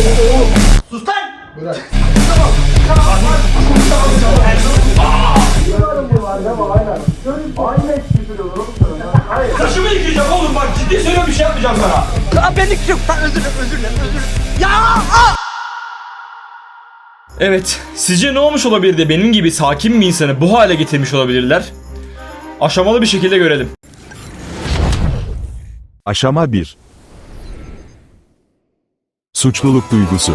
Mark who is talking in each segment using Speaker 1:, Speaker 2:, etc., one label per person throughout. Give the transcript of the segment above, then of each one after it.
Speaker 1: Sus lan!
Speaker 2: Bırak.
Speaker 1: Saçımı yıkayacağım oğlum bak ciddi söylüyorum bir şey yapmayacağım sana.
Speaker 3: Aa benlik yok. Özür dilerim. Ya!
Speaker 4: Evet, sizce ne olmuş olabilir de benim gibi sakin bir insanı bu hale getirmiş olabilirler? Aşamalı bir şekilde görelim.
Speaker 5: Aşama 1. Suçluluk duygusu.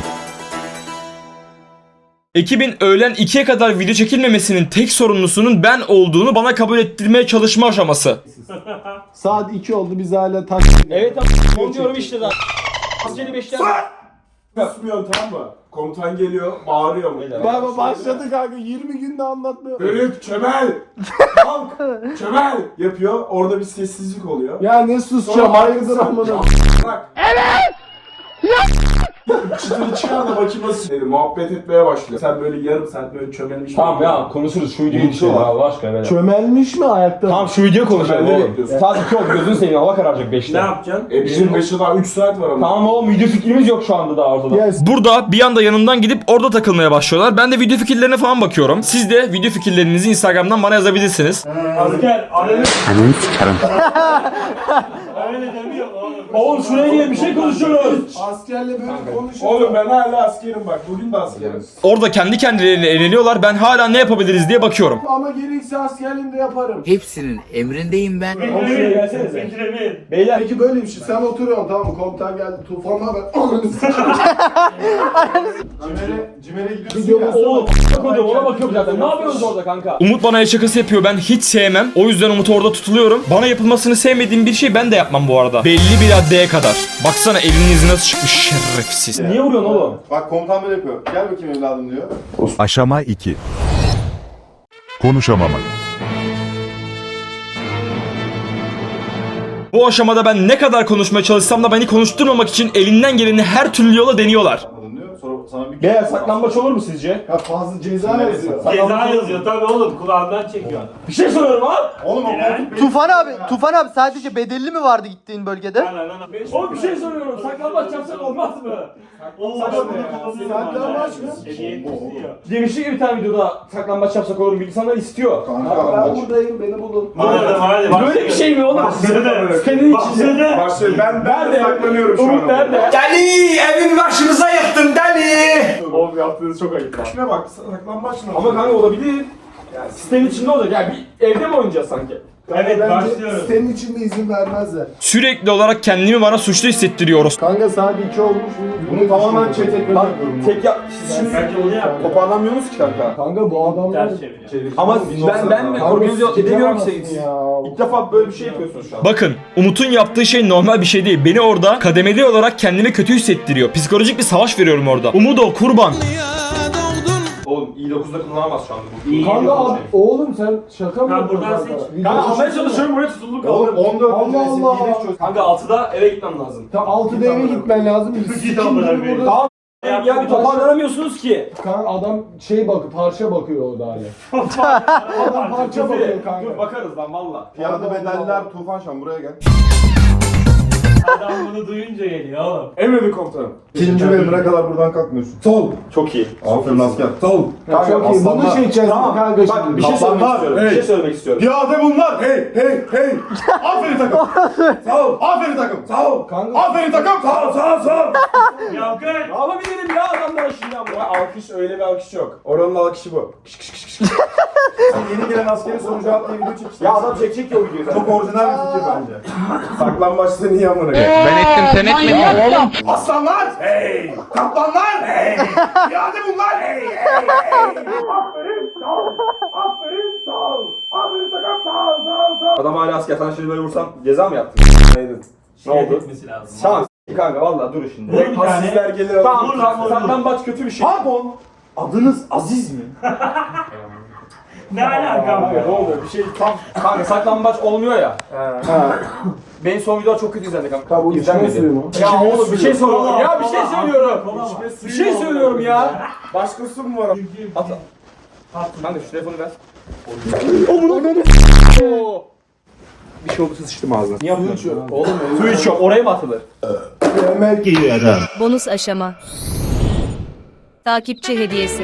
Speaker 4: Ekibin öğlen 2'ye kadar video çekilmemesinin tek sorumlusunun ben olduğunu bana kabul ettirmeye çalışma aşaması.
Speaker 2: Saat 2 oldu biz hala
Speaker 4: Evet abi, diyorum işte daha. Askeri 5'ten...
Speaker 6: Susmuyorsun tamam mı? Komutan geliyor, bağırıyor mu?
Speaker 2: Baba başladı kanka 20 günde anlatmıyor.
Speaker 6: Bölük, çömel! Kalk! Çömel! Yapıyor, orada bir sessizlik oluyor.
Speaker 2: Ya ne susacağım hayırdır amına.
Speaker 6: Bırak! Evet! Çıtırı çıkar da bakayım nasıl dedi. Muhabbet etmeye başlıyor. Sen böyle yarım saat böyle çömelmiş.
Speaker 4: Tamam ya konuşuruz şu videoyu düşelim Allah aşkına böyle.
Speaker 2: Çömelmiş mi ayakta?
Speaker 4: Tamam şu videoyu konuşalım
Speaker 6: Çömelme
Speaker 4: oğlum.
Speaker 6: bekliyorsun.
Speaker 4: Saat 2 oldu gözünü seveyim hava kararacak 5'te.
Speaker 1: Ne yapacaksın?
Speaker 6: Bizim 5'e daha 3 saat var ama.
Speaker 4: Tamam oğlum video fikrimiz yok şu anda daha ortada.
Speaker 2: Yes.
Speaker 4: Burada bir anda yanından gidip orada takılmaya başlıyorlar. Ben de video fikirlerine falan bakıyorum. Siz de video fikirlerinizi Instagram'dan bana yazabilirsiniz.
Speaker 1: Asker ananı
Speaker 3: Sikerim.
Speaker 1: öyle demiyor oğlum.
Speaker 4: Oğlum şuraya gelin bir şey konuşuyoruz.
Speaker 2: Askerle böyle konuşuyor.
Speaker 6: Oğlum ben hala askerim bak. Bugün de askerim.
Speaker 4: Orada kendi kendilerine eğleniyorlar. Ben hala ne yapabiliriz diye bakıyorum.
Speaker 2: Ama gerekirse askerliğimde yaparım.
Speaker 3: Hepsinin emrindeyim ben.
Speaker 4: şuraya gelsenize.
Speaker 1: Ekrem'in.
Speaker 4: Beyler
Speaker 2: Peki böyle bir şey sen oturuyorsun tamam mı? Komutan geldi tufanla ben ananı Cimer'e gidiyorsun ya.
Speaker 4: oğlum ona bakıyorum zaten. Ne yapıyorsunuz orada kanka? Umut bana el şakası yapıyor. Ben hiç sevmem. O yüzden Umut'u orada tutuluyorum. Bana yapılmasını sevmediğim bir şey ben de yapmam bu arada. Belli bir raddeye kadar. Baksana elinin izi nasıl çıkmış şerefsiz. Niye vuruyorsun oğlum?
Speaker 7: Bak komutan böyle yapıyor. Gel bakayım evladım diyor.
Speaker 5: Aşama 2. Konuşamamak.
Speaker 4: Bu aşamada ben ne kadar konuşmaya çalışsam da beni konuşturmamak için elinden geleni her türlü yola deniyorlar.
Speaker 7: Anladın diyor. Sonra sana bir
Speaker 4: Beyler saklambaç olur mu sizce?
Speaker 2: Ya fazla ceza yazıyor.
Speaker 1: Ceza yazıyor tabii oğlum kulağından çekiyor.
Speaker 4: Bir şey soruyorum abi.
Speaker 7: Oğlum o koltuk
Speaker 3: Tufan abi sadece bedelli mi vardı gittiğin bölgede?
Speaker 4: Oğlum bir şey soruyorum. Saklambaç yapsak olmaz mı?
Speaker 2: Saklambaç mı?
Speaker 4: Demişti ki bir tane videoda saklambaç yapsak olur mu? İnsanlar istiyor.
Speaker 2: Ben buradayım beni bulun.
Speaker 4: Böyle bir şey mi oğlum? Senin için.
Speaker 6: Başlıyor. Ben de saklanıyorum şu an.
Speaker 4: Umut nerede?
Speaker 1: Deli evin başımıza yıktın deli.
Speaker 6: Oğlum yaptığınız çok ayıp lan. Şuna bak saklambaç mı?
Speaker 4: Ama kanka olabilir. Yani sistemin içinde olacak. Yani bir evde mi oynayacağız sanki?
Speaker 1: Evet
Speaker 2: Bence
Speaker 1: başlıyoruz.
Speaker 2: senin için de izin vermezler.
Speaker 4: Sürekli olarak kendimi bana suçlu hissettiriyoruz.
Speaker 2: Kanka saat 2 olmuş.
Speaker 7: bunu tamamen çet etmek
Speaker 4: Bak
Speaker 7: yapıyorum.
Speaker 4: tek ya siz şimdi
Speaker 1: Bence onu yap.
Speaker 4: toparlanmıyorsunuz ki kanka.
Speaker 2: Kanka bu adamlar...
Speaker 1: Ters çeviriyor.
Speaker 4: Ama ben
Speaker 2: Kanka
Speaker 4: organize edemiyorum ki
Speaker 2: sikemezsin
Speaker 4: siz.
Speaker 2: ya.
Speaker 4: İlk defa böyle bir şey yapıyorsunuz şu an. Bakın Umut'un yaptığı şey normal bir şey değil. Beni orada kademeli olarak kendimi kötü hissettiriyor. Psikolojik bir savaş veriyorum orada. Umut o kurban. Oğlum i9'da kullanamaz şu anda bu.
Speaker 2: Kanka abi, oğlum sen şaka mı
Speaker 1: Ben
Speaker 2: yapıyorsun
Speaker 1: buradan
Speaker 2: kanka?
Speaker 1: seç.
Speaker 2: Video
Speaker 4: Kanka almaya
Speaker 2: çeksene.
Speaker 4: çalışıyorum buraya tutulduk
Speaker 7: Oğlum
Speaker 4: kaldım.
Speaker 7: 14
Speaker 2: Allah Allah.
Speaker 4: Kanka 6'da eve gitmem lazım.
Speaker 2: Ta 6'da eve gitmen lazım. Biz
Speaker 1: Git amına
Speaker 2: sikim
Speaker 1: koyayım.
Speaker 2: burada.
Speaker 4: Ya bir toparlanamıyorsunuz ki.
Speaker 2: Kanka adam parça bakıyor orada hala. Adam parça bakıyor
Speaker 4: Dur
Speaker 2: kanka.
Speaker 4: bakarız lan valla.
Speaker 7: Piyade bedeller Tufan Şan buraya gel.
Speaker 1: Adam bunu duyunca geliyor oğlum.
Speaker 6: Emredin komutanım.
Speaker 7: İkinci bölümüne kadar buradan kalkmıyorsun.
Speaker 6: Sol.
Speaker 4: Çok iyi.
Speaker 7: Aferin asker.
Speaker 6: Sol.
Speaker 2: Ya çok iyi. Bunu
Speaker 7: aslanlar.
Speaker 2: seçeceğiz kanka
Speaker 4: Bak
Speaker 2: şimdi.
Speaker 4: bir şey söylemek
Speaker 6: Kaplanlar,
Speaker 4: istiyorum.
Speaker 6: hey.
Speaker 4: Bir şey söylemek istiyorum.
Speaker 6: Piyade bunlar. Hey hey hey. Aferin takım. Sağ ol. Aferin takım. Sağ ol.
Speaker 2: Kanka-
Speaker 6: Aferin takım. Sağ ol sağ ol sağ ol.
Speaker 1: Yankın.
Speaker 4: Alabilirim ya adamlara şimdi ama.
Speaker 6: Alkış öyle bir alkış yok. Oranın alkışı bu. Sen yeni gelen askerin soru cevap diye video çekeceksin.
Speaker 4: Ya adam çekecek ya o videoyu zaten.
Speaker 7: Çok orijinal bir fikir bence.
Speaker 6: Saklambaçta niye amına koyayım?
Speaker 3: Ben ettim sen etmedin.
Speaker 6: Aslanlar! Hey! Kaplanlar! Hey! Piyade bunlar! Hey! Hey! Hey! Aferin! Sağ ol! Aferin! Sağ ol! Aferin takım! Sağ ol! Sağ ol! Sağ ol!
Speaker 4: Adam hala asker sana şimdi böyle vursam ceza mı yaptın?
Speaker 6: Neydin?
Speaker 4: Ne oldu?
Speaker 1: Etmesi lazım.
Speaker 4: Tamam kanka valla dur şimdi.
Speaker 1: Vur bir tane.
Speaker 6: Hasisler gelir.
Speaker 4: Tamam saklambaç kötü bir şey.
Speaker 6: Pardon! Adınız Aziz mi?
Speaker 1: Ne alakam var?
Speaker 4: Ne oldu? Bir şey tam kanka saklambaç olmuyor ya. Benim son videolar çok kötü izlendi kanka.
Speaker 2: Tabi bu içme suyu mu?
Speaker 4: Ya oğlum bir şey söylüyorum. Ya bir şey
Speaker 1: Kola,
Speaker 4: söylüyorum.
Speaker 1: kola.
Speaker 4: Bir şey söylüyorum ya.
Speaker 6: Başkası mı var?
Speaker 4: At. Kanka şu telefonu ver.
Speaker 6: Bir şey olursa sıçtım ağzına. Niye
Speaker 2: Su içiyor. Oğlum
Speaker 6: Su içiyor. Oraya mı atılır?
Speaker 2: yemek
Speaker 8: Bonus aşama. Takipçi hediyesi.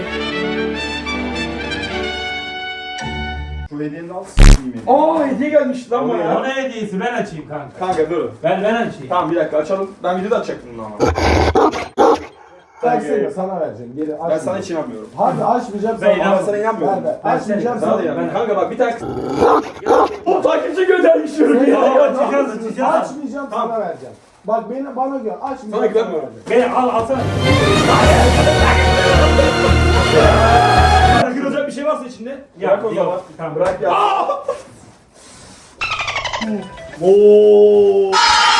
Speaker 7: Şu hediyeni al s**eyim ya.
Speaker 6: Aa hediye gelmiş lan bana
Speaker 1: O ne hediyesi? Ben açayım kanka.
Speaker 6: Kanka dur.
Speaker 1: Ben açayım.
Speaker 6: Tamam bir dakika açalım. Ben videoda açacaktım bunu ama.
Speaker 2: versene sana vereceğim. Geri
Speaker 6: Ben sana hiç inanmıyorum.
Speaker 2: Hadi açmayacağım
Speaker 1: Ben
Speaker 2: sana.
Speaker 6: Ben sana inanmıyorum.
Speaker 2: Açmayacağım
Speaker 6: Sana da
Speaker 2: sana.
Speaker 6: inanmıyorum. Kanka bak bir tane... O takipçi göndermiş diyorum ya.
Speaker 1: Açacağız.
Speaker 2: Açmayacağım sana vereceğim. Bak bana gör. Açmayacağım.
Speaker 6: Sana güvenmiyorum.
Speaker 1: Beni alsana.
Speaker 6: Kırılacak bir şey varsa içinde.
Speaker 1: Ya,
Speaker 6: Bırak o
Speaker 1: yok.
Speaker 6: zaman.
Speaker 1: Tamam.
Speaker 6: Bırak ya.
Speaker 2: Oo.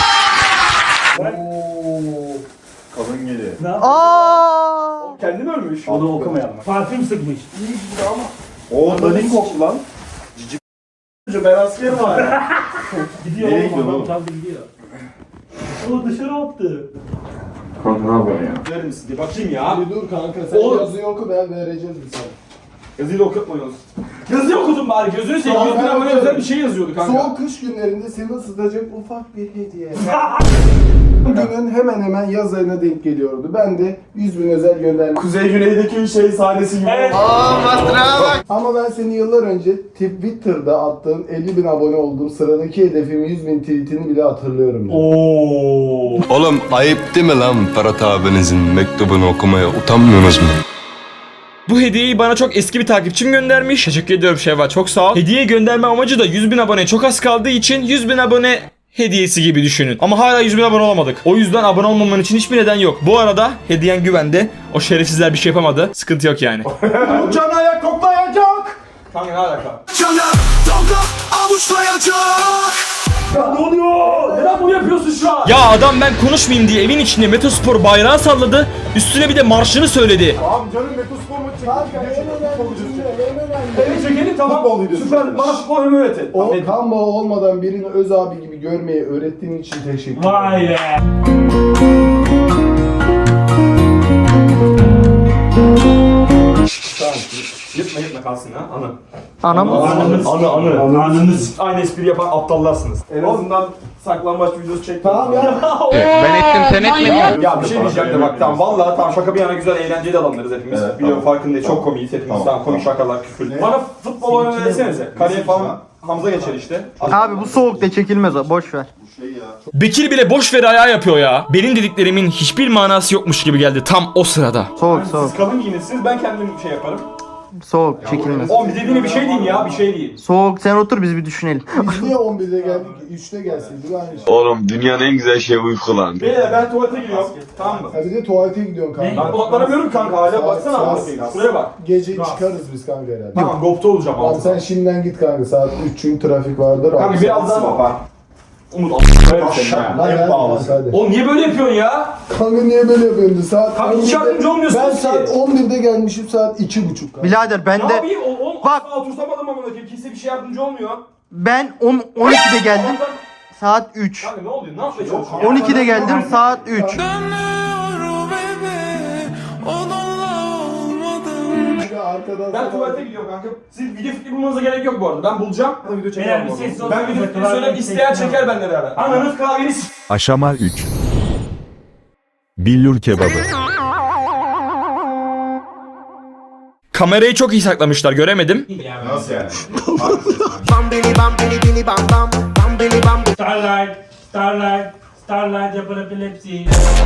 Speaker 7: Kalın geli.
Speaker 3: Aa!
Speaker 6: Kendin ölmüş.
Speaker 1: Onu okumayalım. Parfüm sıkmış.
Speaker 7: Oo dalin koktu lan.
Speaker 6: Ben askerim var.
Speaker 1: Gidiyor
Speaker 7: Nereye
Speaker 1: oğlum.
Speaker 7: gidiyor
Speaker 1: Adam
Speaker 7: oğlum?
Speaker 1: çaldı gidiyor. O dışarı attı.
Speaker 7: Kanka ne yapıyorsun ya?
Speaker 6: Verir misin diye bakayım ya.
Speaker 2: Bir dur kanka sen
Speaker 6: Oğlum.
Speaker 2: yazıyı oku ben vereceğiz bir sana.
Speaker 6: Yazıyı da okutmuyoruz. Yazıyı okudum bari. Gözünü seveyim.
Speaker 2: Tamam,
Speaker 6: Gözüne
Speaker 2: ben
Speaker 6: bana
Speaker 2: okuyorum.
Speaker 6: özel bir şey yazıyordu kanka.
Speaker 2: Soğuk kış günlerinde seni ısıtacak ufak bir hediye. Bugünün hemen hemen yaz ayına denk geliyordu. Ben de 100.000 özel gönderdim.
Speaker 6: Kuzey Güney'deki şey sahnesi gibi.
Speaker 1: Evet.
Speaker 2: Ama ben seni yıllar önce Twitter'da attığın 50.000 abone olduğum sıradaki hedefim 100.000 tweetini bile hatırlıyorum. Ben.
Speaker 1: Oo.
Speaker 9: Oğlum ayıp değil mi lan Ferhat abinizin mektubunu okumaya utanmıyorsunuz mu?
Speaker 4: Bu hediyeyi bana çok eski bir takipçim göndermiş. Teşekkür ediyorum Şevval, çok sağ ol. Hediye gönderme amacı da 100.000 aboneye çok az kaldığı için 100.000 abone hediyesi gibi düşünün. Ama hala 100.000 abone olamadık. O yüzden abone olmaman için hiçbir neden yok. Bu arada hediyen güvende. O şerefsizler bir şey yapamadı. Sıkıntı yok yani.
Speaker 6: Can ayak koklayacak. Kanka ne alaka? Ya ne oluyor? Neden bunu yapıyorsun şu an?
Speaker 4: Ya adam ben konuşmayayım diye evin içinde Metospor bayrağı salladı. Üstüne bir de marşını söyledi.
Speaker 7: Abi canım Metospor maçı çekti.
Speaker 2: Kanka
Speaker 7: Video
Speaker 2: en
Speaker 7: çekti, futbol
Speaker 2: önemli
Speaker 7: videosu
Speaker 2: cümle,
Speaker 7: çekti.
Speaker 2: en önemli.
Speaker 6: Evet çekelim tamam.
Speaker 7: Futbol videosu
Speaker 6: Süper.
Speaker 7: çekti.
Speaker 6: Bana futbol oyunu öğretin.
Speaker 2: O kan bağı olmadan birini öz abi gibi görmeyi öğrettiğin için teşekkür ederim.
Speaker 1: Vay be.
Speaker 6: Yırtma kalsın ha. Anı.
Speaker 3: Anam.
Speaker 6: Anınız. Aynı espri yapan aptallarsınız. En azından saklambaç videosu çektim.
Speaker 2: Tamam ya.
Speaker 6: Ya bir şey diyeceğim de bak tamam vallahi tamam şaka bir yana güzel eğlenceli adamlarız hepimiz.
Speaker 7: Evet,
Speaker 6: Biliyorum
Speaker 7: tamam.
Speaker 6: farkındayız çok komiyiz hepimiz.
Speaker 7: Tamam,
Speaker 6: Tamam, komik
Speaker 7: tamam.
Speaker 6: şakalar küfür. Bana futbol oyunu öğretsenize. Kaleye falan Hamza geçer işte.
Speaker 3: Abi bu soğukta çekilmez o. Boş ver.
Speaker 7: Bu şey ya.
Speaker 4: Bekir bile boş ver ayağı yapıyor ya. Benim dediklerimin hiçbir manası yokmuş gibi geldi tam o sırada.
Speaker 3: Soğuk soğuk.
Speaker 6: Siz kalın giyinirsiniz ben kendim şey yaparım.
Speaker 3: Soğuk çekilmez.
Speaker 6: Oğlum bir dediğine bir şey deyin ya bir şey değil.
Speaker 3: Soğuk sen otur biz bir düşünelim.
Speaker 2: Biz niye 11'de geldik? 3'te gelseydik aynı şey.
Speaker 9: Oğlum dünyanın en güzel şeyi uyku lan.
Speaker 6: Beyler ben tuvalete gidiyorum. Tamam mı?
Speaker 2: Ha bir de tuvalete gidiyorsun kanka.
Speaker 6: Ben odaklanamıyorum kanka hala baksana
Speaker 2: Saat-
Speaker 6: amına Şuraya bak.
Speaker 2: Gece çıkarız biz kanka herhalde.
Speaker 6: Tamam GoPro olacağım
Speaker 2: Abi
Speaker 6: abi.
Speaker 2: sen şimdiden git kanka saat 3 çünkü trafik vardır.
Speaker 6: Kanka
Speaker 2: Abi,
Speaker 6: birazdan
Speaker 7: Baba.
Speaker 6: Umut a**ım
Speaker 2: Lan
Speaker 7: Hep
Speaker 2: gel
Speaker 7: bağlısın.
Speaker 2: kanka hadi.
Speaker 6: Oğlum niye böyle yapıyorsun ya?
Speaker 2: Kanka niye böyle yapıyorsun? Saat
Speaker 6: Kanka hiç
Speaker 2: 11'de
Speaker 6: yardımcı olmuyorsun
Speaker 2: Ben
Speaker 6: ki.
Speaker 2: saat 11'de gelmişim saat 2.30 kanka.
Speaker 3: Birader ben
Speaker 6: Ne
Speaker 3: de
Speaker 6: yapayım? Oğlum
Speaker 3: Bak.
Speaker 6: asla otursamadım amına koyayım. Kimse bir şey yardımcı olmuyor.
Speaker 3: ben 12'de geldim.
Speaker 6: Allah'tan-
Speaker 3: Saat 3.
Speaker 6: Kanka ne oluyor? Ne yapmaya çalışıyorsun?
Speaker 3: 12'de geldim saat 3.
Speaker 2: Kanka arkadan
Speaker 6: Ben
Speaker 2: sana-
Speaker 6: tuvalete gidiyorum kanka. Siz video fikri bulmanıza gerek yok bu arada. Ben bulacağım. Ben video çekeceğim.
Speaker 1: Beyler, bir
Speaker 6: bu arada.
Speaker 1: sessiz olun.
Speaker 6: Ben video fikri
Speaker 1: Klavye
Speaker 6: söyleyeyim. İsteyen
Speaker 1: çekeceğim.
Speaker 6: çeker benimle beraber. Ananız kahveni s***.
Speaker 5: Aşama 3. Billur kebabı.
Speaker 4: Kamerayı çok iyi saklamışlar göremedim.
Speaker 7: Nasıl yani?
Speaker 1: Starlight. Starlight. Starlight yapar epilepsi.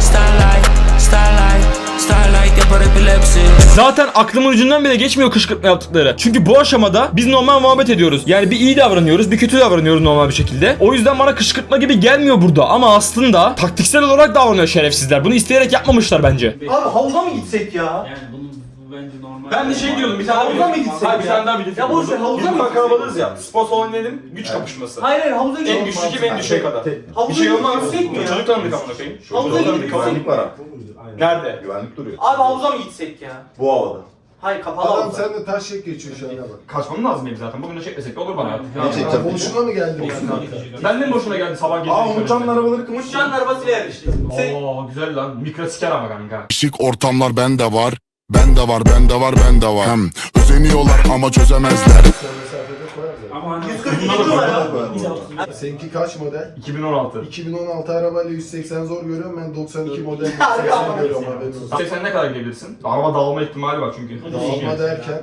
Speaker 4: Zaten aklımın ucundan bile geçmiyor kışkırtma yaptıkları. Çünkü bu aşamada biz normal muhabbet ediyoruz. Yani bir iyi davranıyoruz, bir kötü davranıyoruz normal bir şekilde. O yüzden bana kışkırtma gibi gelmiyor burada. Ama aslında taktiksel olarak davranıyor şerefsizler. Bunu isteyerek yapmamışlar bence.
Speaker 3: Abi havuza mı gitsek ya?
Speaker 1: Yani bu bence normal.
Speaker 6: Ben de şey diyordum bir tane
Speaker 3: Havuza mı gitsek
Speaker 6: Hayır bir
Speaker 3: ya?
Speaker 6: tane daha video
Speaker 3: Ya boş ver, havuza mı
Speaker 6: Biz
Speaker 3: gitsek
Speaker 6: kalabalığız ya. Spor salonu dedim. Güç kapışması.
Speaker 3: Hayır havuza
Speaker 6: En güçlü kim en düşüğe kadar. Bir
Speaker 3: Havuza
Speaker 6: şey olmaz.
Speaker 3: gitsek mi ya?
Speaker 6: Çocuk tanıdık amına koyayım.
Speaker 3: Havuza
Speaker 6: Çocuk
Speaker 3: gitsek
Speaker 6: tanıdık
Speaker 3: mi?
Speaker 7: Güvenlik var abi.
Speaker 6: Nerede?
Speaker 7: Güvenlik duruyor.
Speaker 3: Abi havuza mı gitsek ya?
Speaker 7: Bu havada.
Speaker 3: Hayır kapalı
Speaker 2: Adam
Speaker 3: havuza.
Speaker 2: sen de taş şek geçiyor şu anda bak.
Speaker 6: Kaçmam lazım benim zaten. Bugün de çekmesek de olur bana.
Speaker 7: Ne çekeceğim?
Speaker 2: Boşuna mı geldin kanka?
Speaker 6: Ben de mi boşuna geldi sabah gece?
Speaker 7: Aa Umutcan'ın arabaları kımış.
Speaker 3: Uçağın arabasıyla yarıştık.
Speaker 6: Oo güzel lan. Mikro siker ama kanka.
Speaker 10: Şık ortamlar bende var. Bende var, bende var, bende var. Özeniyorlar ama çözemezler.
Speaker 2: Mesafede koyarız ya.
Speaker 1: Ama 142 numara.
Speaker 2: Seninki kaç model?
Speaker 4: 2016.
Speaker 2: 2016 arabayla 180 zor görüyorum. Ben 92 model 180 görüyorum haberin olsun.
Speaker 4: Sen ne kadar gidebilirsin? Araba dağılma ihtimali var çünkü.
Speaker 2: Dağılma derken.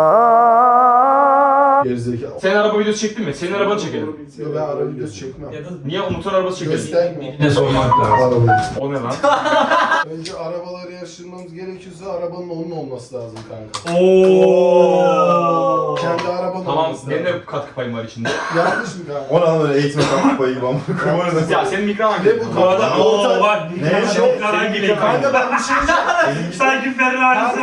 Speaker 2: Gerizekalı.
Speaker 4: Sen araba videosu çektin mi? Senin arabanı çekelim.
Speaker 2: Yo, ben araba videosu çekmem.
Speaker 4: Niye Umut'un arabası çekelim?
Speaker 2: Göstermiyor.
Speaker 1: Ne sormak lazım?
Speaker 2: Arabayı.
Speaker 4: O ne lan?
Speaker 2: Önce arabaları yarıştırmamız gerekiyorsa arabanın onun olması lazım kanka.
Speaker 1: Ooo.
Speaker 2: Kendi arabanın
Speaker 4: Tamam,
Speaker 2: olması
Speaker 4: benim
Speaker 2: lazım.
Speaker 4: de katkı payım var içinde.
Speaker 2: Yanlış mı kanka?
Speaker 7: O ne lan öyle eğitime kalkıp bayı gibi ama.
Speaker 4: Ya senin mikron hangi?
Speaker 2: Ne bu kadar?
Speaker 1: Ooo bak.
Speaker 7: Ne?
Speaker 1: Çok karan geliyor.
Speaker 2: Kanka ben bir şey diyeceğim.
Speaker 1: Sanki Ferrari'si.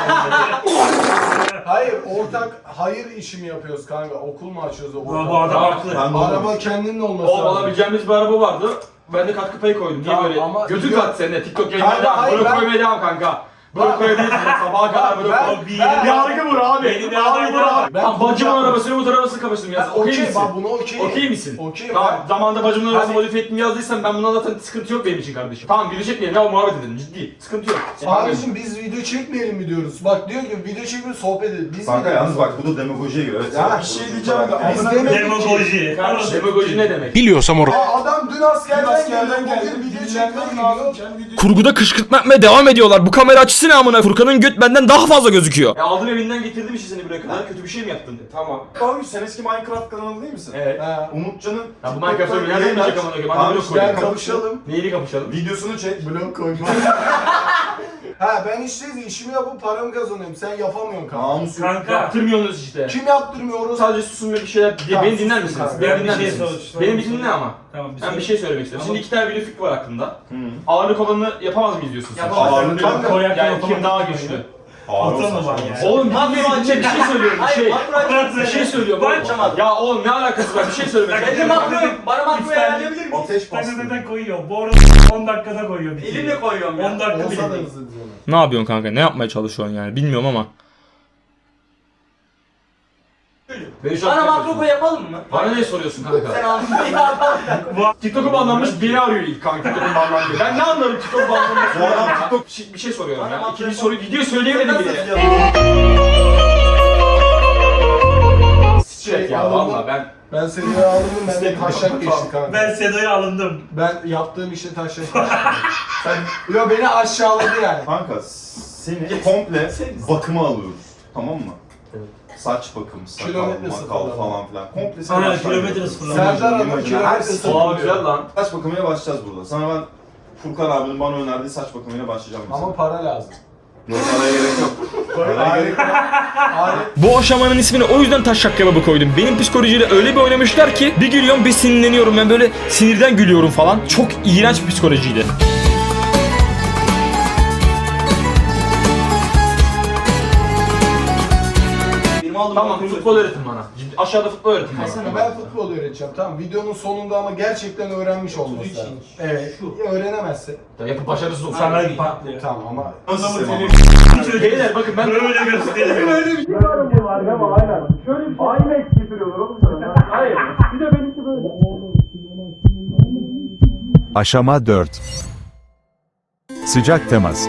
Speaker 2: Hayır, ortak hayır işi mi yapıyoruz kanka? Okul mu açıyoruz o
Speaker 1: Bu adam haklı.
Speaker 2: Araba kendinin olması
Speaker 4: Oğlum
Speaker 2: lazım.
Speaker 4: alabileceğimiz bir araba vardı. Ben de katkı payı koydum. Niye
Speaker 2: Tamam,
Speaker 4: böyle?
Speaker 2: ama-
Speaker 4: Götür
Speaker 2: Yok.
Speaker 4: kat seninle. TikTok
Speaker 2: Kanka,
Speaker 4: yayınlarına
Speaker 2: hayır,
Speaker 4: blok
Speaker 2: ben-
Speaker 4: koymaya devam kanka. Blok koyabilirsin. Sabaha kadar blok
Speaker 2: Ben-
Speaker 4: koy.
Speaker 2: ben-
Speaker 4: Yargı vur abi.
Speaker 1: Beni de
Speaker 4: Yargı vur abi.
Speaker 2: Ben-
Speaker 4: Tamam bacımın arabasını Umut arabasını kapıştım
Speaker 2: Ben
Speaker 4: yaz. Okey
Speaker 2: okey,
Speaker 4: misin?
Speaker 2: bak buna okey.
Speaker 4: Okey misin?
Speaker 2: Okey,
Speaker 4: Tamam
Speaker 2: ben-
Speaker 4: zamanında bacımın arabasını
Speaker 2: Hani-
Speaker 4: modifiye ettim yazdıysan ben bundan zaten sıkıntı yok benim için kardeşim. Tamam video çekmeyelim ya muhabbet edelim ciddi. Sıkıntı yok.
Speaker 2: Abicim biz video çekmeyelim mi diyoruz? Bak diyor ki video çekmeyelim sohbet edelim. Biz
Speaker 7: Kanka
Speaker 2: mi
Speaker 7: yalnız bak bu da demagojiye göre. Evet,
Speaker 2: Ya bir şey diyeceğim de
Speaker 7: Biz
Speaker 2: amına koyayım.
Speaker 1: Demagoji.
Speaker 4: Kardeşim demagoji ne demek?
Speaker 2: Adam dün askerden geldi. Bugün video çekmeye gidiyor.
Speaker 4: Kurguda kışkırtma yapmaya devam ediyorlar. Bu kamera açısı ne amına? Furkan'ın göt benden daha fazla gözüküyor. Ya aldım evinden getirdim işte seni buraya kadar. Kötü bir şey mi yaptın?
Speaker 7: Tamam. Tamam sen eski Minecraft kanalı değil misin?
Speaker 4: Evet.
Speaker 2: Ha.
Speaker 7: Umutcan'ın
Speaker 4: Ya bu Minecraft'ı nereden
Speaker 7: yayın
Speaker 4: bilecek
Speaker 7: aç.
Speaker 4: amına koyayım?
Speaker 7: Tamam
Speaker 4: Hadi blok
Speaker 7: işte,
Speaker 4: koyalım.
Speaker 2: Gel kapışalım.
Speaker 4: Neyini kapışalım?
Speaker 7: Videosunu çek.
Speaker 2: Blok koyma. Ha ben işte işimi yapıp paramı kazanıyorum. Sen yapamıyorsun kanka.
Speaker 7: Namus yok.
Speaker 1: Kanka.
Speaker 4: Yaptırmıyorsunuz işte.
Speaker 2: Kim yaptırmıyoruz?
Speaker 4: Sadece susun ve bir şeyler...
Speaker 2: Tamam,
Speaker 4: beni dinler
Speaker 2: susun
Speaker 4: misiniz?
Speaker 2: kanka.
Speaker 4: Beni
Speaker 1: Ben bir
Speaker 4: dinler
Speaker 1: şey
Speaker 4: misiniz?
Speaker 1: sorayım.
Speaker 4: Beni bir dinle ama.
Speaker 1: Tamam
Speaker 4: Ben bir şey söylemek istiyorum. Şimdi iki tane video fikri var aklımda.
Speaker 7: Hı.
Speaker 4: Ağırlık olanı yapamaz mıyız diyorsun sen?
Speaker 1: Yapamaz.
Speaker 7: Ağırlık
Speaker 2: Kanka,
Speaker 1: Koyak
Speaker 4: Yani
Speaker 1: yapamaz.
Speaker 4: kim daha güçlü?
Speaker 7: Ağır
Speaker 1: Ata mı
Speaker 7: olsa
Speaker 1: var
Speaker 7: şey.
Speaker 1: yani?
Speaker 4: Oğlum bir şey söylüyorum bir şey. Bir şey söylüyorum. Ya oğlum ne alakası var? Bir şey söylemek istiyorum.
Speaker 3: Bana makroyu ayarlayabilir miyim?
Speaker 7: Ateş bastı.
Speaker 1: Dakikada koyuyor. Bu arada 10 dakikada koyuyor.
Speaker 3: Elimle koyuyorum ya.
Speaker 1: 10 dakika
Speaker 2: Olsa da
Speaker 1: bile değil.
Speaker 2: hızlı diyorlar.
Speaker 4: Ne yapıyorsun kanka? Ne yapmaya çalışıyorsun yani? Bilmiyorum ama. Beni şu an
Speaker 3: Bana makro koy yapalım mı?
Speaker 4: Bana ne soruyorsun kanka?
Speaker 3: Sen anladın ya.
Speaker 4: TikTok'u banlanmış beni arıyor ilk kanka TikTok'un banlandığı. Ben ne anlarım TikTok'u banlanması?
Speaker 7: Bu adam
Speaker 4: TikTok bir şey soruyorum ya. İkinci soruyu video söyleyemedim bile. Şey ya valla
Speaker 2: Ben seni aldım, ben de taşak geçti kanka.
Speaker 1: Ben Sedo'ya alındım.
Speaker 2: Ben yaptığım işte taşak geçti. Yo beni aşağıladı yani.
Speaker 7: Kanka seni komple bakıma alıyoruz. Tamam mı? Saç bakım, sakal,
Speaker 2: Kilometre
Speaker 7: makal
Speaker 2: sıfırlama.
Speaker 7: falan filan. Komple seni
Speaker 1: Aynen
Speaker 7: aşağı
Speaker 1: kilometre
Speaker 7: indiriyoruz.
Speaker 1: sıfırlama.
Speaker 2: Serdar Hanım
Speaker 7: Her
Speaker 2: kilometre
Speaker 7: şey-
Speaker 2: sıfırlama.
Speaker 4: Aa güzel lan.
Speaker 7: Saç bakımıyla başlayacağız burada. Sana ben Furkan abinin bana önerdiği saç bakımıyla başlayacağım mesela.
Speaker 2: Ama para lazım.
Speaker 7: Yok paraya gerek yok. Paraya gerek yok.
Speaker 2: Alet
Speaker 4: Bu aşamanın ismini o yüzden taşak kebabı koydum. Benim psikolojiyle öyle bir oynamışlar ki bir gülüyorum bir sinirleniyorum. Ben böyle sinirden gülüyorum falan. Çok iğrenç bir psikolojiydi.
Speaker 3: Benim aldığım
Speaker 4: Tamam
Speaker 3: makroyu
Speaker 4: futbol öğretin bana. Aşağıda futbol öğretin bana.
Speaker 2: Ben futbol öğreteceğim tamam. Videonun sonunda ama gerçekten öğrenmiş olması lazım. Evet. Öğrenemezse.
Speaker 4: Ya yapıp başarısız olsun.
Speaker 1: Sana patlıyor.
Speaker 2: Tamam ama
Speaker 7: Nasıl sistem ama?
Speaker 4: Beyler bakın ben
Speaker 1: Böyle gösteriyor.
Speaker 2: öyle bir şey var ama aynen. Şöyle bir şey. IMAX getiriyorlar oğlum sana. Hayır. Bir de benimki böyle.
Speaker 5: Aşama 4. Sıcak temas.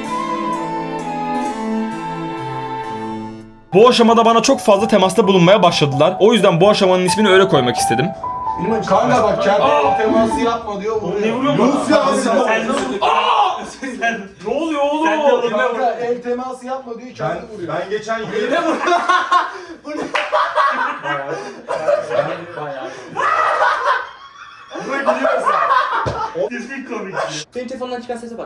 Speaker 4: bu aşamada bana çok fazla temasta bulunmaya başladılar. O yüzden bu aşamanın ismini öyle koymak istedim.
Speaker 2: Kanka bak kendi teması yapma diyor.
Speaker 1: Ne vuruyor
Speaker 2: Yunus
Speaker 1: bana?
Speaker 2: ya.
Speaker 1: Sen
Speaker 4: Ne oluyor oğlum?
Speaker 1: Sen de oğlum.
Speaker 2: Kanka el teması yapma diyor kendi vuruyor.
Speaker 7: Ben geçen yıl...
Speaker 1: Kesin komik.
Speaker 3: Benim telefondan çıkan sese bak.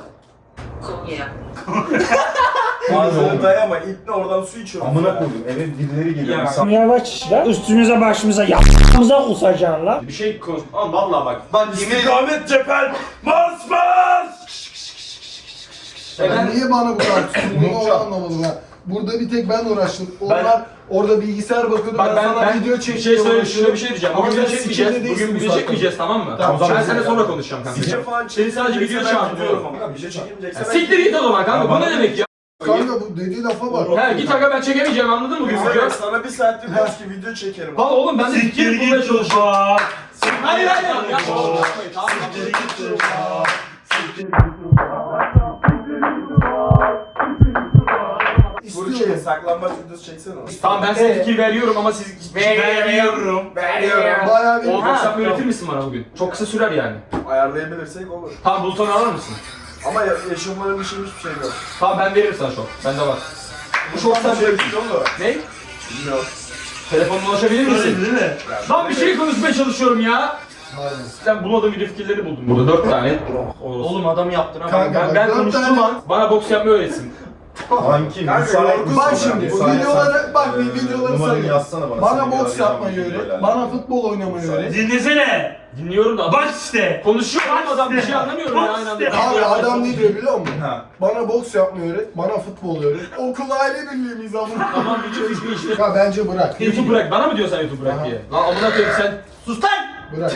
Speaker 7: Oltaya ama ipne oradan su içiyorum. Amına koydum eve birileri geliyor.
Speaker 1: Ya.
Speaker 8: Yavaş la üstümüze başımıza yapımıza kusacaksın la.
Speaker 4: Bir şey konuş. Ama vallahi bak.
Speaker 7: Lan
Speaker 6: İstikamet cephen. Mars mars.
Speaker 2: Ben niye bana bu kadar tutulduğunu onu anlamadım ha. Burada bir tek ben uğraştım. Onlar orada bilgisayar bakıyordu.
Speaker 4: Bak
Speaker 2: ben sana video
Speaker 4: bir
Speaker 2: çektim.
Speaker 4: şey söyleyeyim, şuna bir şey diyeceğim.
Speaker 2: Ama
Speaker 4: Bugün
Speaker 2: sen
Speaker 4: video çekmeyeceğiz.
Speaker 2: sikimde
Speaker 4: Bugün
Speaker 2: değilsin
Speaker 4: video
Speaker 2: zaten.
Speaker 4: çekmeyeceğiz tamam mı?
Speaker 2: Tamam,
Speaker 4: Ben
Speaker 2: tamam.
Speaker 4: seninle sonra konuşacağım kanka.
Speaker 7: Sizce falan
Speaker 4: Senin sadece video çağırıyorum.
Speaker 7: ama. Bir şey çekilmeyecekse ben...
Speaker 4: Siktir git o zaman kanka. Bu ne demek ya?
Speaker 2: Kanka bu dediği lafa bak.
Speaker 4: He git aga ben çekemeyeceğim anladın mı? Gözüküyor.
Speaker 7: Sana bir saattir boş ki video çekerim.
Speaker 4: Lan oğlum ben de
Speaker 1: Siktir
Speaker 4: fikir bulmaya
Speaker 1: git
Speaker 4: çalışıyorum.
Speaker 1: baba.
Speaker 4: Hayır hayır. Ya.
Speaker 1: Siktir git baba.
Speaker 2: İstiyoruz. saklambaç videosu çeksene.
Speaker 4: Tamam ben size fikir veriyorum ama siz... Veriyorum.
Speaker 2: Bayağı bir
Speaker 4: O WhatsApp öğretir misin bana bugün? Çok kısa sürer yani.
Speaker 2: ayarlayabilirsek olur.
Speaker 4: Tamam Bulut'u alır mısın?
Speaker 2: Ama yaşamların işim hiçbir şey yok.
Speaker 4: Tamam ben veririm sana şok. Bende var.
Speaker 2: Bu çok sen şey olur.
Speaker 4: Ne?
Speaker 2: Bilmiyorum.
Speaker 4: Telefonla ulaşabilir misin?
Speaker 1: Değil mi?
Speaker 4: Lan bir şey konuşmaya çalışıyorum ya. Sen bulmadığın video fikirleri buldum. Burada 4 tane.
Speaker 1: Oğlum adam yaptın ama.
Speaker 2: Kanka,
Speaker 4: Ben
Speaker 2: dört
Speaker 4: konuştuğum
Speaker 2: tane-
Speaker 4: an bana boks yapmayı öğretsin.
Speaker 7: Kanki
Speaker 2: Bak şimdi bu videoları bak bir videoları
Speaker 7: Numaranı
Speaker 2: sayıyorum.
Speaker 7: yazsana bana.
Speaker 2: Bana
Speaker 7: Seni
Speaker 2: boks
Speaker 7: bir arayacağım,
Speaker 2: yapmayı
Speaker 7: videoyla
Speaker 2: öğret.
Speaker 7: alakalı.
Speaker 2: Bana futbol oynamayı öğret.
Speaker 1: Dinlesene.
Speaker 4: Dinliyorum da.
Speaker 1: Bak işte.
Speaker 4: Konuşuyor oğlum adam bir şey anlamıyorum ya aynı anda.
Speaker 2: Abi adam ne diyor biliyor musun?
Speaker 7: Ha.
Speaker 2: Bana boks yapmayı öğret, bana futbol öğret. Okul aile birliği miyiz amına?
Speaker 4: Tamam video fikri işte.
Speaker 2: Ya bence bırak.
Speaker 4: YouTube bırak. Bana mı diyorsun sen YouTube bırak
Speaker 2: Aha.
Speaker 4: diye? Lan amına koyayım sen. Sus lan!
Speaker 2: Bırak.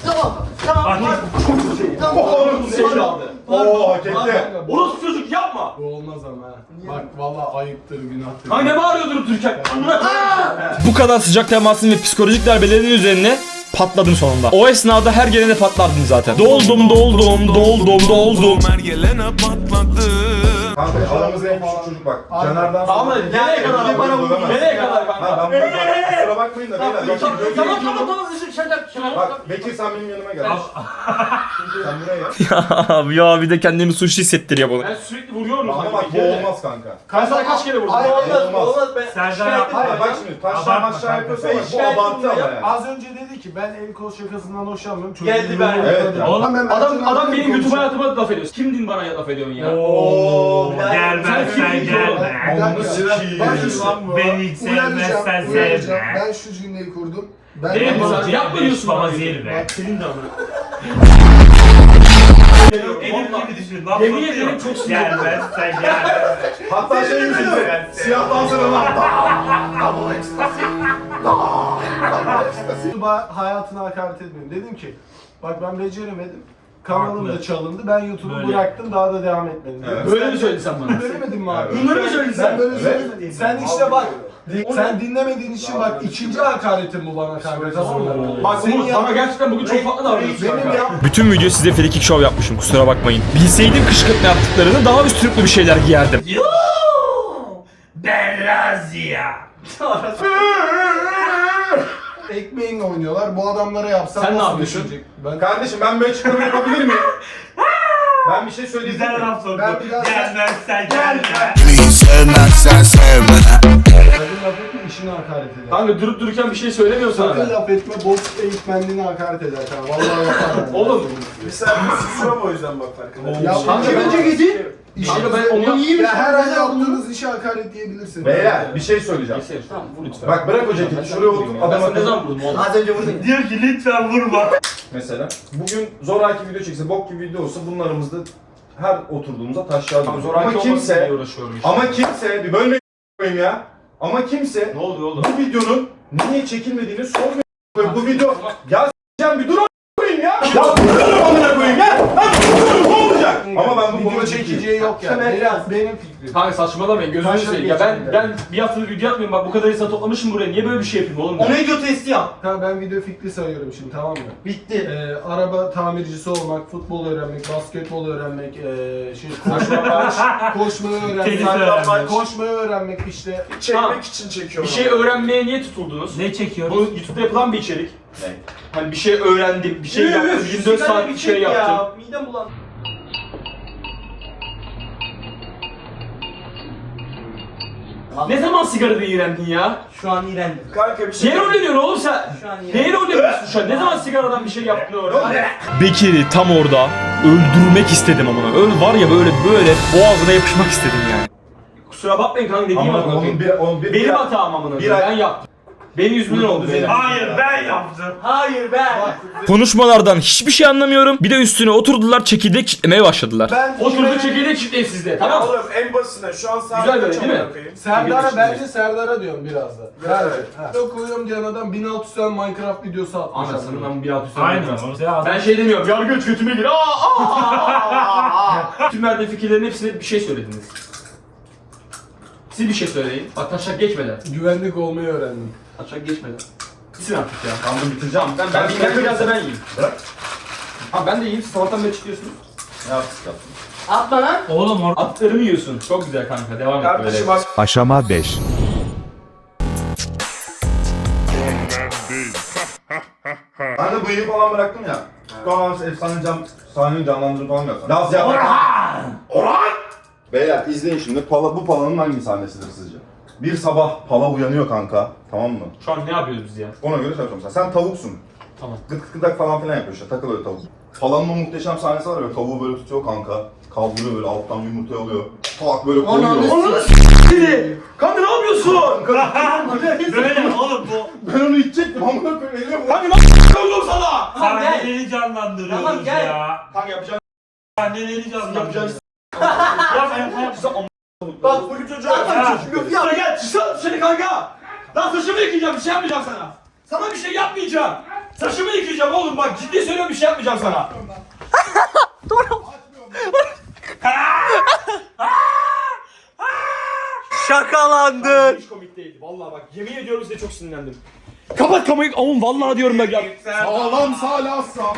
Speaker 7: Oo hak etti.
Speaker 4: Orospu çocuk yapma!
Speaker 2: Bu olmaz ama ha. Bak vallahi ayıptır, günahtır.
Speaker 4: Lan ne bağırıyor durup dururken? Amına Bu kadar sıcak temasın ve psikolojik darbelerin üzerine patladım sonunda. O esnada her gelene patlardım zaten. Doldum.
Speaker 7: Kanka aramızda en küçük çocuk bak.
Speaker 2: Aynen.
Speaker 7: Caner'den
Speaker 4: Tamam
Speaker 7: sonra-
Speaker 4: hadi nereye kadar
Speaker 7: Beni
Speaker 4: bana
Speaker 7: dövemezsin.
Speaker 4: vurdun? Nereye kadar
Speaker 7: Ha
Speaker 4: kanka?
Speaker 7: ben bunu kusura bakmayın da beyler.
Speaker 4: Tamam.
Speaker 7: Bak Bekir sen benim yanıma gel. Sen buraya gel.
Speaker 4: Ya bir de kendimi suçlu hissettiriyor bana. Ben sürekli vuruyorum
Speaker 7: Ama
Speaker 4: sana.
Speaker 7: bak bu olmaz kanka.
Speaker 4: Ben sana kaç kere vurdum?
Speaker 2: Hayır,
Speaker 7: Olmaz.
Speaker 1: Serdar yapma.
Speaker 7: Hayır bak şimdi taşlar
Speaker 1: Abartma
Speaker 7: maçlar
Speaker 1: kanka.
Speaker 7: yapıyorsa bak bu abartı ama yani.
Speaker 2: Az önce dedi ki ben el kol şakasından hoşlanmıyorum.
Speaker 1: Geldi ben.
Speaker 7: Evet ya.
Speaker 1: Oğlum,
Speaker 4: Adam benim YouTube hayatıma laf ediyor. Kimdin bana laf ediyorsun ya?
Speaker 1: Oo, gelmezsen
Speaker 4: Sen
Speaker 1: gelme. Beni hiç sevmezsen sevme.
Speaker 2: Ben şu cümleyi kurdum. Ben
Speaker 4: Değil mi?
Speaker 2: Bak,
Speaker 4: Sen yapma diyorsun bana.
Speaker 1: Baba zirve.
Speaker 4: Senin de amına.
Speaker 1: Benim gibi düşün.
Speaker 4: Yemin ederim çok sinirli.
Speaker 1: Gelmezsen gelme.
Speaker 7: Hatta şey yüzünden siyah dansına lan.
Speaker 2: YouTube'a hayatına hakaret etmiyorum. Dedim ki bak ben beceremedim. Kanalım da
Speaker 1: Haklı.
Speaker 2: çalındı. Ben YouTube'u
Speaker 1: Böyle.
Speaker 2: bıraktım. Daha da devam etmedim.
Speaker 7: Evet.
Speaker 4: Böyle mi söyledin sen bana?
Speaker 2: Söylemedin mi abi?
Speaker 4: Bunları mı söyledin
Speaker 2: Ben
Speaker 4: sen?
Speaker 2: böyle
Speaker 7: Evet.
Speaker 2: söylemedim. Sen işte bak. Sen dinlemediğin için bak ikinci hakaretin bu bana kanka, tamam mı?
Speaker 4: Bak
Speaker 2: Senin
Speaker 4: Umut sana gerçekten bugün çok farklı davranıyorsun
Speaker 2: Benim
Speaker 4: kanka.
Speaker 2: yap
Speaker 4: Bütün video size frikik show yapmışım kusura bakmayın. Bilseydim kışkırtma yaptıklarını daha üstürüklü bir şeyler giyerdim.
Speaker 1: Ben Razia.
Speaker 2: ekmeğinle oynuyorlar. Bu adamlara yapsam
Speaker 4: Sen ne
Speaker 2: nasıl
Speaker 4: yapıyorsun?
Speaker 2: düşünecek? Ben
Speaker 7: Kardeşim ben böyle açıklama yapabilir miyim? Ben bir şey söyleyeyim
Speaker 1: Güzel
Speaker 7: mi?
Speaker 1: laf soktu.
Speaker 2: Ben biraz-
Speaker 1: Gelmezsen gelme.
Speaker 2: sakın laf etme, işine hakaret eder.
Speaker 4: Kanka durup dururken bir şey söylemiyor sana
Speaker 2: Sakın
Speaker 4: ben.
Speaker 2: laf etme, boks eğitmenliğine hakaret eder kanka. Vallahi yapar.
Speaker 4: Oğlum.
Speaker 2: Sen susma o yüzden bak farkında. Ya
Speaker 4: Kanka ben Kanka ben onu iyi
Speaker 2: ya her ay yaptığınız işe hakaret diyebilirsin.
Speaker 7: Beyler bir şey söyleyeceğim.
Speaker 4: Tamam vur lütfen.
Speaker 7: Bak bırak o ceketi şuraya otur
Speaker 4: Ben
Speaker 7: adam
Speaker 4: sana ne
Speaker 7: akıllı.
Speaker 4: zaman vurdum oğlum?
Speaker 1: Diyor ki lütfen vurma.
Speaker 7: Mesela bugün zoraki video çekse bok gibi video olsa bunun aramızda her oturduğumuzda taşlar
Speaker 4: Tamam
Speaker 7: diyor.
Speaker 4: zoraki
Speaker 7: Ama
Speaker 4: olmasın diye
Speaker 7: kimse
Speaker 4: uğraşıyorum işte.
Speaker 7: ama kimse bir bölme koyayım ya. Ama kimse
Speaker 4: Ne oluyor oğlum?
Speaker 7: bu videonun niye çekilmediğini sormuyor. Bu video ya s**eceğim bir dur koyayım ya. Ya dur amına koyayım ya. Lan dur ne olacak? Ama ben bu
Speaker 2: video
Speaker 7: konuda
Speaker 2: çekeceği yok yani. Benim fikrim.
Speaker 4: Kanka saçmalamayın gözünü
Speaker 2: Taşla
Speaker 4: seveyim. Ya
Speaker 2: geçin
Speaker 4: ben bir haftadır video atmıyorum bak bu kadar insan toplamışım buraya niye böyle bir şey yapayım oğlum?
Speaker 1: video testi yap.
Speaker 2: Kanka ben video fikri sayıyorum şimdi, tamam mı?
Speaker 1: Bitti.
Speaker 2: Araba tamircisi olmak, futbol öğrenmek, basketbol öğrenmek, koşmayı
Speaker 1: Tenis
Speaker 2: öğrenmek,
Speaker 1: öğrenmek.
Speaker 2: koşmayı öğrenmek işte.
Speaker 4: Çekmek
Speaker 2: için çekiyorum.
Speaker 4: Bir şey öğrenmeye niye tutuldunuz?
Speaker 1: Ne çekiyoruz?
Speaker 4: Bu YouTube'da yapılan bir içerik.
Speaker 7: Ne?
Speaker 4: Hani bir şey öğrendim, bir şey yaptım, 24 saat bir şey yaptım.
Speaker 1: Midem bulan.
Speaker 4: Ne zaman sigarada iğrendin ya?
Speaker 1: Şu an iğrendim.
Speaker 2: Kanka bir şey
Speaker 4: Neye rolleniyorsun oğlum sen?
Speaker 1: Şu an
Speaker 4: Neye rolleniyorsun şu an? Ne zaman sigaradan bir şey yaptın öğrendin?
Speaker 7: Bekir'i
Speaker 4: tam orada öldürmek istedim amına. Var ya böyle boğazına yapışmak istedim yani. Kusura bakmayın kanka dediğim
Speaker 7: Ama
Speaker 4: amına
Speaker 7: onun
Speaker 4: koyayım.
Speaker 7: bir
Speaker 4: Benim hatam amına
Speaker 7: bir
Speaker 4: koyayım.
Speaker 7: ay-
Speaker 4: Ben yaptım. Benim yüzümden oldu benim.
Speaker 1: Hayır ben yaptım. Hayır ben.
Speaker 4: Konuşmalardan hiçbir şey anlamıyorum. Bir de üstüne oturdular çekirdek çitlemeye başladılar.
Speaker 2: Ben
Speaker 4: Oturdu çekirdek çitleyin sizde tamam mı?
Speaker 2: Oğlum en basitinden şu an saat
Speaker 4: Güzel
Speaker 2: kaç
Speaker 4: böyle değil mi?
Speaker 2: amına koyayım? Serdar'a bence Serdar'a diyorum biraz da. Video koyuyorum diyen adam 1600 tane Minecraft videosu atmış.
Speaker 4: Anasının ama bir alt üstü.
Speaker 1: Aynen.
Speaker 4: Ben şey demiyorum. Yargıç götüme gir. Tüm verdiğim fikirlerin hepsine bir şey söylediniz. Siz bir şey söyleyin. Bak taşak geçmeden.
Speaker 2: Güvenlik olmayı öğrendim.
Speaker 4: Taşak geçmeden. Bitsin artık ya. Tamam bitireceğim. Ben biraz da ben yiyeyim.
Speaker 7: Bırak.
Speaker 4: Ha ben de yiyeyim. Siz sabahtan beri çıkıyorsunuz.
Speaker 7: Ne yaptık yaptın?
Speaker 3: Atma lan.
Speaker 4: Oğlum atlarımı yiyorsun. Çok güzel kanka. Devam et böyle.
Speaker 7: Kardeşim bak.
Speaker 5: Aşama 5.
Speaker 7: Ben de bıyığı falan bıraktım ya. Tamam sahneyi canlandırıp falan yapsam. Laz yapmak. Orhan! Beyler izleyin şimdi. Bu Pala'nın hangi sahnesidir sizce? Bir sabah Pala uyanıyor kanka. Tamam mı?
Speaker 4: Şu an ne yapıyoruz biz ya?
Speaker 7: Ona göre çalışıyorum sen. Sen tavuksun.
Speaker 4: Tamam.
Speaker 7: Gıt gıt gıdak falan filan yapıyor işte. Takıl öyle tavuk. Pala'nın o muhteşem sahnesi var ya. Tavuğu böyle tutuyor kanka. Kaldırıyor böyle alttan yumurtayı alıyor. Tak böyle koyuyor.
Speaker 6: Kanka ne yapıyorsun?
Speaker 1: Böyle oğlum bu.
Speaker 7: Ben onu içecektim amına koyayım eline vur.
Speaker 6: Kanka nasıl koydum sana?
Speaker 1: Sahneleri canlandırıyoruz
Speaker 3: Tamam, gel.
Speaker 1: ya.
Speaker 7: Kanka yapacağın
Speaker 1: Sahneleri canlandırıyoruz.
Speaker 6: Bak bu çocuğa Sana gel çıksana dışarı kanka. Lan saçımı yıkayacağım bir şey yapmayacağım sana. Sana bir şey yapmayacağım. Saçımı yıkayacağım oğlum bak ciddi söylüyorum bir şey yapmayacağım sana.
Speaker 3: Şakalandın.
Speaker 4: Hiç komik değildi. Vallahi bak yemin ediyorum size çok sinirlendim. Kapat kamerayı. Oğlum vallahi diyorum bak ya.
Speaker 7: sağlam salassam.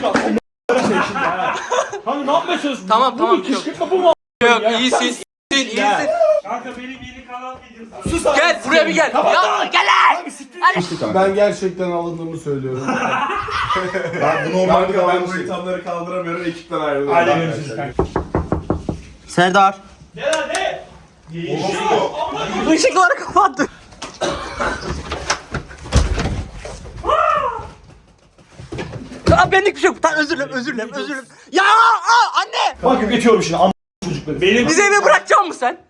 Speaker 4: Hani ne yapmaya çalışıyorsun?
Speaker 3: Tamam,
Speaker 4: Bu
Speaker 3: tamam,
Speaker 4: mu? Kışkırtma bu mu?
Speaker 3: Yok iyisin. İyisin.
Speaker 1: Kanka benim yeni kanal videosu.
Speaker 6: Sus lan.
Speaker 3: Gel buraya bir gel. Ya, gel lan.
Speaker 2: Ben gerçekten alındığımı söylüyorum.
Speaker 7: Ben bu normal bir davranış değil.
Speaker 6: ithamları kaldıramıyorum ekipten ayrılıyorum.
Speaker 1: Hadi görüşürüz kanka.
Speaker 3: Serdar.
Speaker 6: Gel hadi.
Speaker 3: Işıkları kapattı. Aa benlik bir şey yok. Tamam özür dilerim. Ya anne.
Speaker 4: Bak geçiyorum şimdi am çocukları. Benim
Speaker 3: Bizi eve bırakacak mısın sen?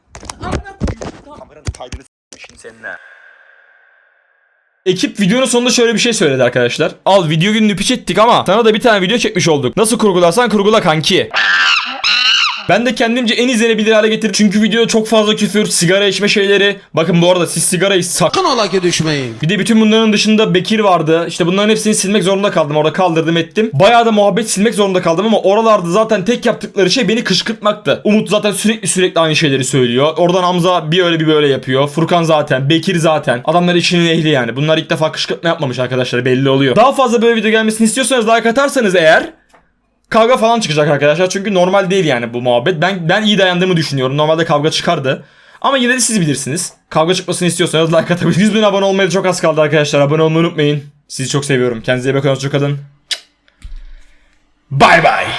Speaker 4: Ekip videonun sonunda şöyle bir şey söyledi arkadaşlar. Al video gününü piç ettik ama sana da bir tane video çekmiş olduk. Nasıl kurgularsan kurgula kanki. Ben de kendimce en izlenebilir hale getirdim. Çünkü videoda çok fazla küfür, sigara içme şeyleri. Bakın bu arada siz sigarayı sakın ola ki düşmeyin. Bir de bütün bunların dışında Bekir vardı. İşte bunların hepsini silmek zorunda kaldım. Orada kaldırdım ettim. Bayağı da muhabbet silmek zorunda kaldım ama oralarda zaten tek yaptıkları şey beni kışkırtmaktı. Umut zaten sürekli aynı şeyleri söylüyor. Oradan Hamza bir öyle bir böyle yapıyor. Furkan zaten, Bekir zaten. Adamlar işinin ehli yani. Bunlar ilk defa kışkırtma yapmamış arkadaşlar, belli oluyor. Daha fazla böyle video gelmesini istiyorsanız like atarsanız eğer kavga falan çıkacak arkadaşlar çünkü normal değil yani bu muhabbet. Ben iyi dayandığımı düşünüyorum. Normalde kavga çıkardı. Ama yine de siz bilirsiniz. Kavga çıkmasını istiyorsanız like atabilirsiniz. 100.000 abone olmaya çok az kaldı arkadaşlar. Abone olmayı unutmayın. Sizi çok seviyorum. Kendinize iyi bakın. Hoşça kalın. Bye bye.